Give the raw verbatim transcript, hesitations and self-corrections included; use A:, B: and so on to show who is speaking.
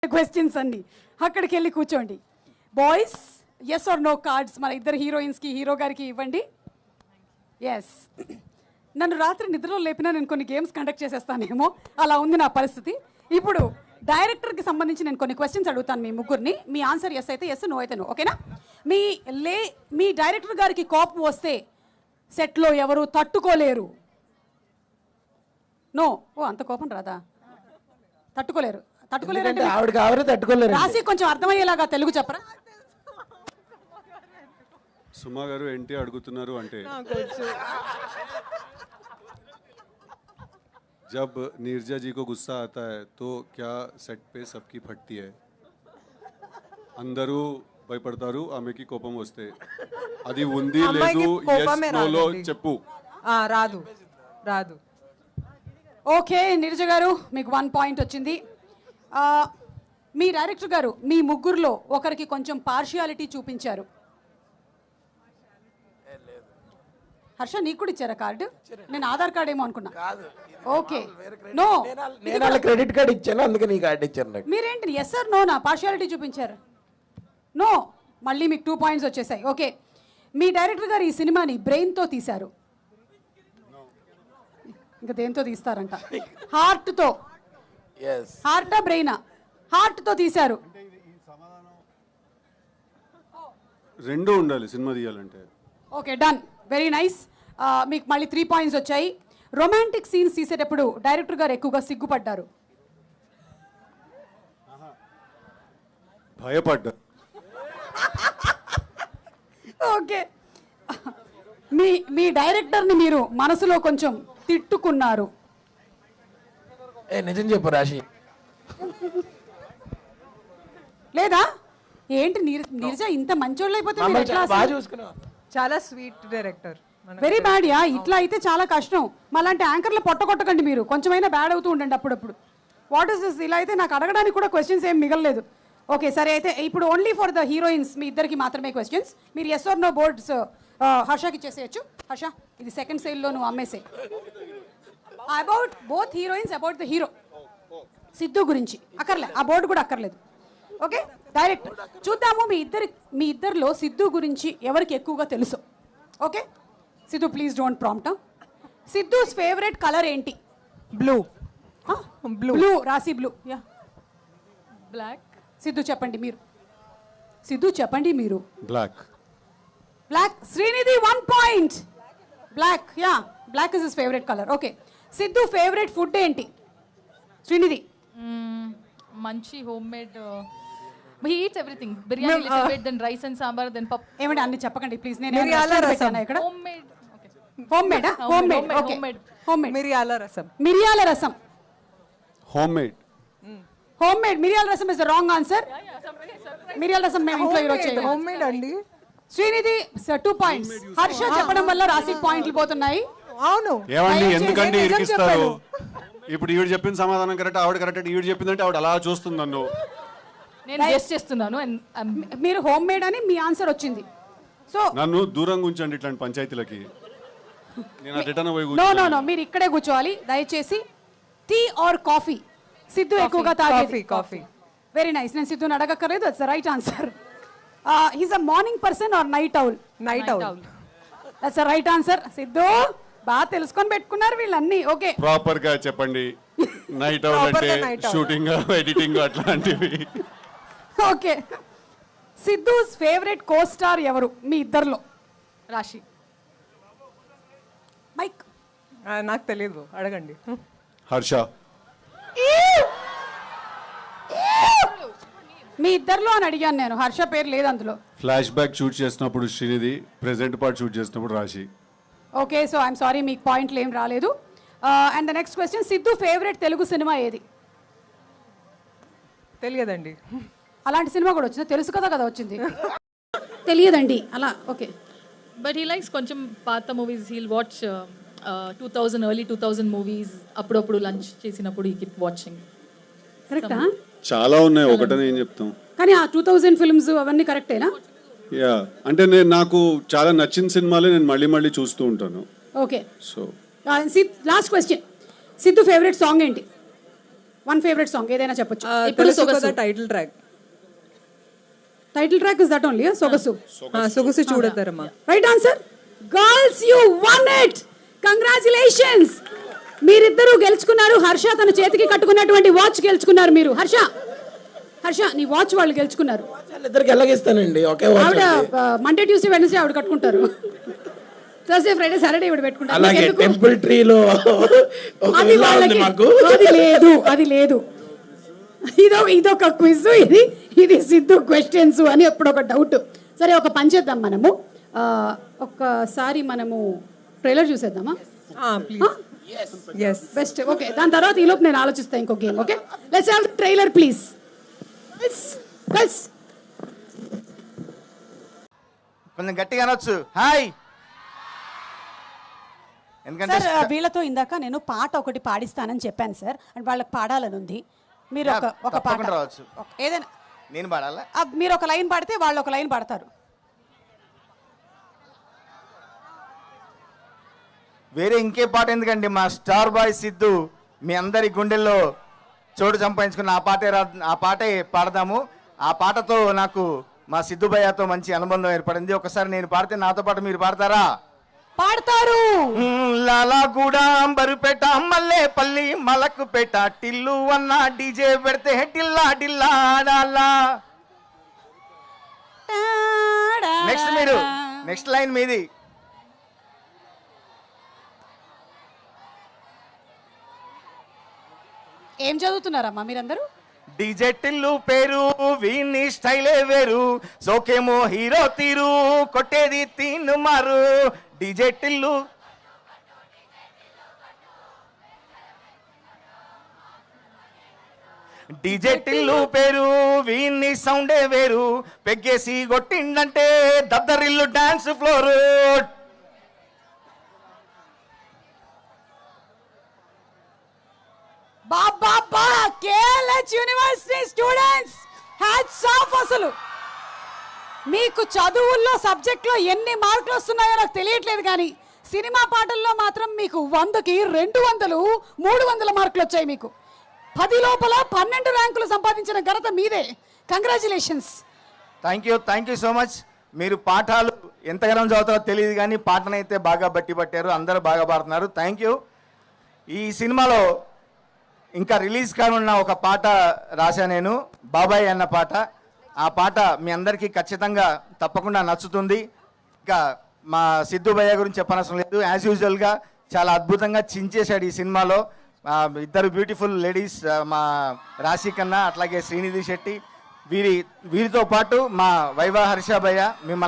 A: Questions అన్ని అక్కడికి వెళ్ళి కూర్చోండి. Boys yes or no cards మన ఇద్దరు హీరోయిన్స్కి హీరో గారికి ఇవ్వండి. ఎస్, నన్ను రాత్రి నిద్రలో లేపినా నేను కొన్ని గేమ్స్ కండక్ట్ చేసేస్తానేమో, అలా ఉంది నా పరిస్థితి. ఇప్పుడు డైరెక్టర్కి సంబంధించి నేను కొన్ని క్వశ్చన్స్ అడుగుతాను మీ ముగ్గురిని. మీ ఆన్సర్ ఎస్ అయితే ఎస్, నో అయితే నో, ఓకేనా? మీ లే మీ డైరెక్టర్ గారికి కోపం వస్తే సెట్లో ఎవరు తట్టుకోలేరు? నో. ఓ, అంత కోపం రాదా? తట్టుకోలేరు. తట్టుకోలేరు అంటే
B: ఆవిడ కావరే తట్టుకోలేరు.
A: రాసి కొంచెం అర్థమయ్యేలాగా తెలుగు చెప్పరా?
C: సుమా గారు ఏంటి అడుగుతున్నారు అంటే, जब नीरजा जी को गुस्सा आता है तो क्या सेट पे सबकी फटती है? అందరూ భయపడతారు ఆమెకి కోపం వస్తే. అది ఉంది లేదు yes no లో చెప్పు.
D: రాదు రాదు.
A: ఓకే నీరజ గారు, మీకు వన్ పాయింట్ వచ్చింది. మీ డైరెక్టర్ గారు మీ ముగ్గురులో ఒకరికి కొంచెం పార్షియాలిటీ చూపించారు. హర్ష, నీకు కూడా ఇచ్చారా కార్డు? నేను ఆధార్ కార్డ్ ఏమో అనుకున్నా. ఓకే, నో,
B: నేను క్రెడిట్ కార్డ్ ఇచ్చాను, అందుకే నీ కార్డు ఇచ్చాను నాకు.
A: మీరేంటి ఎస్ ఆర్ నోనా పార్షియాలిటీ చూపించారు? నో, మళ్ళీ మీకు టూ పాయింట్స్ వచ్చేసాయి. ఓకే, మీ డైరెక్టర్ గారు ఈ సినిమాని బ్రెయిన్తో తీశారు. ఇంకా దేంతో తీస్తారంట? హార్ట్తో. హార్టా బ్రెయినా? హార్ట్తో తీశారు.
C: రెండు ఉండాలి సినిమా తీయాలంటే.
A: Okay, done, very nice. మీకు మళ్ళీ త్రీ పాయింట్స్ వచ్చాయి. రొమాంటిక్ సీన్స్ తీసేటప్పుడు డైరెక్టర్ గారు ఎక్కువగా సిగ్గుపడ్డారు.
C: భయపడ్డా.
A: ఓకే, మీ మీ డైరెక్టర్ని మీరు మనసులో కొంచెం తిట్టుకున్నారు.
B: ఏ నిజం చెప్పు రాశి.
A: లేదా ఏంటి నీరజ ఇంత మంచోళ్ళు అయిపోతే మీరు ఎట్లా?
B: బాగా చూసుకున్నావు.
D: చాలా sweet director.
A: Very bad yeah. ఇట్లా అయితే చాలా కష్టం. మళ్ళంటే యాంకర్లు పొట్ట కొట్టకండి మీరు, కొంచెమైనా బ్యాడ్ అవుతూ ఉండండి అప్పుడప్పుడు. What is this? ఇలా అయితే నాకు అడగడానికి కూడా క్వశ్చన్స్ ఏం మిగలలేదు. ఓకే సరే, అయితే ఇప్పుడు ఓన్లీ ఫర్ ద హీరోయిన్స్ మీ ఇద్దరికి మాత్రమే క్వశ్చన్స్. మీరు ఎస్ ఆర్ నో బోర్డ్స్ హర్షకి ఇచ్చేసేయచ్చు. హర్ష, ఇది సెకండ్ సైడ్లో నువ్వు అమ్మేసే. About both heroines, about the hero Siddhu గురించి అక్కర్లే, ఆ బోర్డు కూడా అక్కర్లేదు. ఓకే, డైరెక్ట్ చూద్దాము మీ ఇద్దరి మీ ఇద్దరిలో సిద్ధు గురించి ఎవరికి ఎక్కువగా తెలుసు. Okay Siddhu, please don't prompt. Siddhu's favourite colour ఏంటి?
D: బ్లూ.
A: బ్లూ. బ్లూ రాసి బ్లూ. యా.
D: బ్లాక్.
A: సిద్ధు చెప్పండి మీరు. సిద్ధు చెప్పండి మీరు.
C: Black.
A: Black. Srinidhi one point. Black. Yeah, black is his favourite colour. Okay, Siddhu favourite food ఏంటి? శ్రీనిధి.
E: మంచి home made. he eats everything. biryani uh, little bit, then rice and sambar, then pap.
A: ఏమండి అన్ని చెప్పకండి please. నేను
D: మిరియాల రసం.
A: ఇక్కడ
E: home made. Okay.
A: Home made. Home made. Okay, home made.
D: మిరియాల రసం.
A: మిరియాల రసం.
C: Home made.
A: హోమ్ మేడ్ మిరియాల రసం ఇస్ ద రాంగ్ ఆన్సర్. మిరియాల రసం మేము ఇంట్లో ఈరోజు చేయలేదు.
D: హోమ్ మేడ్ అండి.
A: Srinidhi two points. హర్ష చెప్పడం వల్ల రాసి పాయింట్లు పోతున్నాయి.
D: అవును.
C: ఏమండి ఎందుకంటే ఇరికిస్తారు? ఇప్పుడు ఈవిడ చెప్పిన సమాధానం కరెక్ట్, ఆవిడ కరెక్ట్. ఈవిడ చెప్పిందంటే ఆవిడ అలా చూస్తుంది నన్ను.
E: నేను గెస్ చేస్తున్నాను.
A: మీరు హోమ్ మేడ్ అని మీ ఆన్సర్ వచ్చింది. సో
C: నన్ను దూరంగా ఉంచండి ఇట్లాంటి పంచాయతీలకి. నేను అటెటన పోయి
A: నో నో నో మీరు ఇక్కడే కూర్చోవాలి దయచేసి. Tea or coffee? సిద్ధు ఎక్కువగా తాగేది
D: కాఫీ.
A: Very nice. నేను సిద్ధుని అడగక్కర్లేదు, that's the right answer. He's a morning person or night owl?
D: Night owl.
A: That's the right answer. Siddhu బాగా తెలుసుకొని పెట్టుకున్నారు వీళ్ళన్నీ. ఓకే,
C: ప్రాపర్ గా చెప్పండి. నైట్ ఔల్ అంటే షూటింగ్, ఎడిటింగ్ అట్లాంటివి.
A: Okay, Siddhu's favourite co star ఎవరు మీ ఇద్దరిలో?
E: రాశి.
A: మైక్.
D: నాకు తెలియదు, అడగండి.
C: హర్ష.
A: మీ ఇద్దరిలో అని అడిగాను నేను, హర్ష పేరు లేదు అందులో.
C: ఫ్లాష్ బ్యాక్ షూట్ చేసినప్పుడు శ్రీనిధి, ప్రెజెంట్ పార్ట్ షూట్ చేసినప్పుడు రాశి.
A: ఓకే, సో ఐఎమ్ సారీ మీకు పాయింట్లు ఏం రాలేదు. And the next question, Siddhu favourite Telugu cinema ఏది?
D: తెలియదండి.
A: అలాంటి సినిమా కూడా వచ్చింది, తెలుసు కదా కదా వచ్చింది. తెలియదండి అలా. ఓకే,
E: బట్ హీ లైక్స్ కొంచెం పాత movies. He'll watch two thousand early two thousand movies. అప్పుడప్పుడు లంచ్ చేసినప్పుడు ఈ కీప్ వాచింగ్.
A: కరెక్టా?
C: చాలా ఉన్నాయి, ఒకటనే ఏం చెప్తాం.
A: కానీ ఆ టూ థౌజండ్ ఫిల్మ్స్ అవన్నీ కరెక్టేనా?
C: యా, అంటే నేను నాకు చాలా నచ్చిన సినిమాలే నేను మళ్ళీ మళ్ళీ చూస్తూ ఉంటాను.
A: Okay,
C: so
A: last question, Siddhu favourite song ఏంటి? వన్ ఫేవరెట్ సాంగ్ ఏదైనా చెప్పొచ్చు.
D: ఇప్పుడు Sogasu title track.
A: Title track is that only Sogasu.
D: సొగసు చూడతారమ్మా.
A: Right answer. Girls you won it. Congratulations. మీరిద్దరూ గెలుచుకున్నారు. హర్ష తన చేతికి కట్టుకున్నటువంటి వాచ్ గెలుచుకున్నారు మీరు. హర్ష హర్ష నీ వాచ్ వాళ్ళు గెలుచుకున్నారు.
B: ఇద్దరికి ఎలాగిస్తానండి ఒకే
A: ఆవిడ మండే ట్యూస్డే వెనస్డే ఆవిడ కట్టుకుంటారు. థర్స్డే ఫ్రైడే సాటర్డే ఇవిడ పెట్టుకుంటారు.
B: అలాగే టెంపుల్ ట్రీలో
A: అది వాళ్ళకి అది లేదు అది లేదు. ఇదో ఇదొక క్విజ్, ఇది ఇది సిద్ధు క్వశ్చన్స్ అని ఎప్పుడు ఒక డౌట్. సరే ఒక పని చేద్దాం మనము, ఒక్కసారి మనము ట్రైలర్ చూసేద్దామా?
D: Yes
A: best. ఓకే, దాని తర్వాత ఈలోపు నేను ఆలోచిస్తాను ఇంకో game. Okay, let's have trailer please. Girls
F: కొంచెం గట్టిగా అనొచ్చు హాయ్. ఎందుకంటే
A: సార్ వీళ్ళతో ఇందాక నేను పాట ఒకటి పాడిస్తానని చెప్పాను సార్, అండ్ వాళ్ళకి పాడాలని ఉంది. మీరు ఒక ఒక పాట
F: తప్పకుండా రావచ్చు.
A: ఒక- ఏదైనా
F: నేను పాడాలా?
A: ఆ, మీరు ఒక లైన్ పాడితే వాళ్ళు ఒక లైన్ పాడతారు.
F: వేరే ఇంకే పాట ఎందుకండి, మా స్టార్ బాయ్ సిద్ధు మీ అందరి గుండెల్లో చోటు సంపాదించుకున్న ఆ పాటే రా ఆ పాటే పాడదాము. ఆ పాటతో నాకు మా సిద్ధు భయ్యతో మంచి అనుబంధం ఏర్పడింది. ఒకసారి నేను పాడితే నాతో పాటు మీరు పాడతారా?
A: పాడతారు.
F: లాలాగూడ బరుపేట మల్లేపల్లి మలకుపేట టిల్లు అన్న డీజే పెడితే టిల్లా టిల్లా డాలా. నెక్స్ట్ మీరు నెక్స్ట్ లైన్ మీది.
A: ఏం చదువుతున్నారమ్మా మీరందరూ?
F: డీజే టిల్లు పేరు వీని స్టైలే వేరు, సోకేమో హీరో తీరు కొట్టేది తీను మారు. డీజే టిల్లు డీజే టిల్లు పేరు వీని సౌండే వేరు, పెగ్గేసి కొట్టిండంటే దద్దరిల్లు డాన్స్ ఫ్లోర్.
A: బాబా KLH university students hats off. అసలు మీకు చదువుల్లో సబ్జెక్ట్లో ఎన్ని మార్కులు వస్తున్నాయో నాకు తెలియట్లేదు, కానీ సినిమా పాటల్లో మాత్రం మీకు వందకి రెండు వందలు మూడు వందల మార్కులు వచ్చాయి. మీకు పది లోపల పన్నెండు ర్యాంకులు సంపాదించిన ఘనత మీదే. Congratulations.
F: Thank you thank you so much. మీరు పాఠాలు ఎంతగానో చదువుతారో తెలియదు కానీ పాటనైతే బాగా బట్టి పట్టారు, అందరూ బాగా పాడుతున్నారు. Thank you. ఈ సినిమాలో ఇంకా రిలీజ్ కానున్న ఒక పాట రాశా నేను, బాబాయ్ అన్న పాట. ఆ పాట మీ అందరికీ ఖచ్చితంగా తప్పకుండా నచ్చుతుంది. ఇంకా మా సిద్ధు భయ్య గురించి చెప్పనవసరం లేదు. యాజ్ యూజువల్గా చాలా అద్భుతంగా చించేశాడు ఈ సినిమాలో. ఇద్దరు బ్యూటిఫుల్ లేడీస్, మా రాశి కన్నా అట్లాగే శ్రీనిధి శెట్టి, వీరి వీరితో పాటు మా వైవా హర్ష భయ్య మిమ్మల్ని